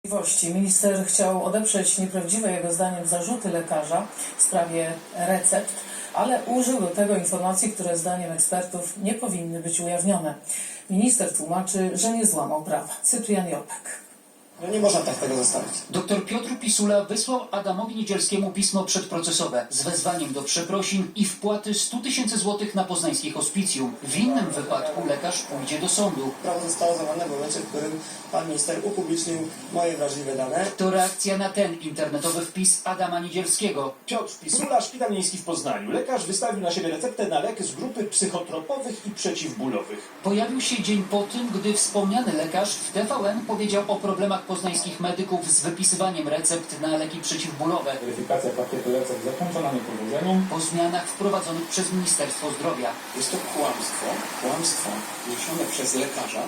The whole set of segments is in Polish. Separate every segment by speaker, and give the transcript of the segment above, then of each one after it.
Speaker 1: Minister chciał odeprzeć nieprawdziwe jego zdaniem zarzuty lekarza w sprawie recept, ale użył do tego informacji, które zdaniem ekspertów nie powinny być ujawnione. Minister tłumaczy, że nie złamał prawa. Cyprian Jopek.
Speaker 2: No nie można tak tego zostawić.
Speaker 3: Dr Piotr Pisula wysłał Adamowi Niedzielskiemu pismo przedprocesowe z wezwaniem do przeprosin i wpłaty 100 000 złotych na poznańskie hospicjum. W innym wypadku lekarz pójdzie do sądu.
Speaker 2: Prawo zostało złamane w momencie, w którym pan minister upublicznił moje wrażliwe dane.
Speaker 3: To reakcja na ten internetowy wpis Adama Niedzielskiego.
Speaker 4: Piotr Pisula, Szpital Miejski w Poznaniu. Lekarz wystawił na siebie receptę na lek z grupy psychotropowych i przeciwbólowych.
Speaker 3: Pojawił się dzień po tym, gdy wspomniany lekarz w TVN powiedział o problemach poznańskich medyków z wypisywaniem recept na leki przeciwbólowe.
Speaker 5: Weryfikacja pakietu recept zakończona niepowodzeniem.
Speaker 3: Po zmianach wprowadzonych przez Ministerstwo Zdrowia.
Speaker 6: Jest to kłamstwo niesione przez lekarza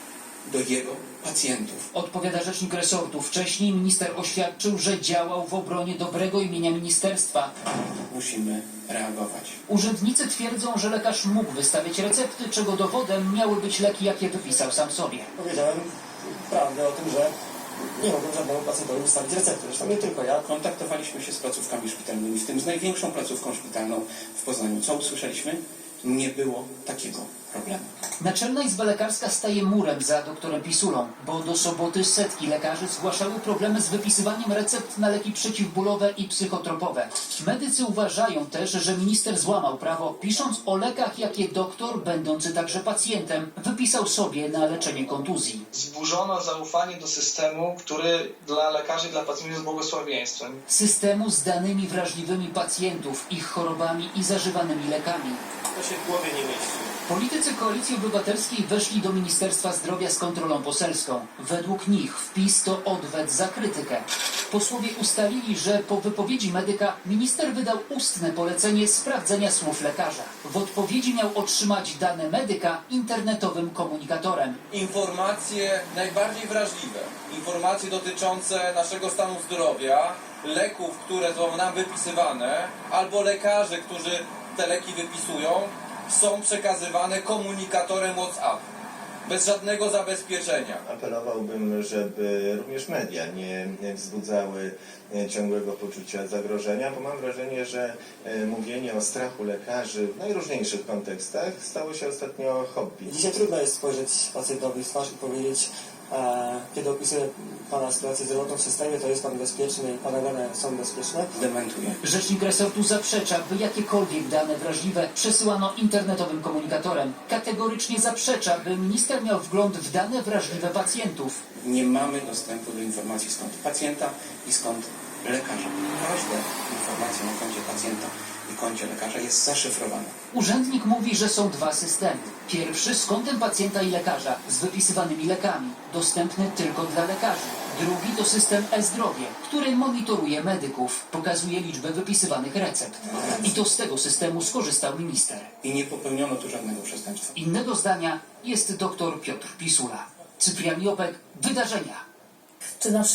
Speaker 6: do jego pacjentów.
Speaker 3: Odpowiada rzecznik resortu. Wcześniej minister oświadczył, że działał w obronie dobrego imienia ministerstwa.
Speaker 6: Musimy reagować.
Speaker 3: Urzędnicy twierdzą, że lekarz mógł wystawiać recepty, czego dowodem miały być leki, jakie wypisał sam sobie.
Speaker 2: Powiedziałem prawdę o tym, że nie mogłem żadnemu pacjentowi wystawić recepty. Zresztą nie tylko ja.
Speaker 6: Kontaktowaliśmy się z placówkami szpitalnymi, w tym z największą placówką szpitalną w Poznaniu. Co usłyszeliśmy? Nie było takiego problemu.
Speaker 3: Naczelna Izba Lekarska staje murem za doktorem Pisulą, bo do soboty setki lekarzy zgłaszały problemy z wypisywaniem recept na leki przeciwbólowe i psychotropowe. Medycy uważają też, że minister złamał prawo, pisząc o lekach, jakie doktor, będący także pacjentem, wypisał sobie na leczenie kontuzji.
Speaker 7: Zburzono zaufanie do systemu, który dla lekarzy i dla pacjentów jest błogosławieństwem.
Speaker 3: Systemu z danymi wrażliwymi pacjentów, ich chorobami i zażywanymi lekami.
Speaker 2: To się w głowie nie mieści.
Speaker 3: Politycy Koalicji Obywatelskiej weszli do Ministerstwa Zdrowia z kontrolą poselską. Według nich wpis to odwet za krytykę. Posłowie ustalili, że po wypowiedzi medyka minister wydał ustne polecenie sprawdzenia słów lekarza. W odpowiedzi miał otrzymać dane medyka internetowym komunikatorem.
Speaker 8: Informacje najbardziej wrażliwe, informacje dotyczące naszego stanu zdrowia, leków, które są nam wypisywane, albo lekarzy, którzy te leki wypisują, są przekazywane komunikatorem WhatsApp, bez żadnego zabezpieczenia.
Speaker 9: Apelowałbym, żeby również media nie wzbudzały ciągłego poczucia zagrożenia, bo mam wrażenie, że mówienie o strachu lekarzy w najróżniejszych kontekstach stało się ostatnio hobby.
Speaker 2: Dzisiaj trudno jest spojrzeć pacjentowi w twarz i powiedzieć, kiedy opisuję pana sytuację zdrowotną w systemie, to jest pan bezpieczny i pana dane są bezpieczne.
Speaker 6: Dementuję.
Speaker 3: Rzecznik resortu zaprzecza, by jakiekolwiek dane wrażliwe przesyłano internetowym komunikatorem. Kategorycznie zaprzecza, by minister miał wgląd w dane wrażliwe pacjentów.
Speaker 6: Nie mamy dostępu do informacji skąd pacjenta i skąd lekarza. Każda informacja na koncie pacjenta i koncie lekarza jest zaszyfrowana.
Speaker 3: Urzędnik mówi, że są dwa systemy. Pierwszy z kontem pacjenta i lekarza, z wypisywanymi lekami, dostępny tylko dla lekarzy. Drugi to system e-zdrowie, który monitoruje medyków, pokazuje liczbę wypisywanych recept. I to z tego systemu skorzystał minister.
Speaker 6: I nie popełniono tu żadnego przestępstwa.
Speaker 3: Innego zdania jest dr Piotr Pisula. Cyprian Jopek, Wydarzenia.
Speaker 1: Czy nasz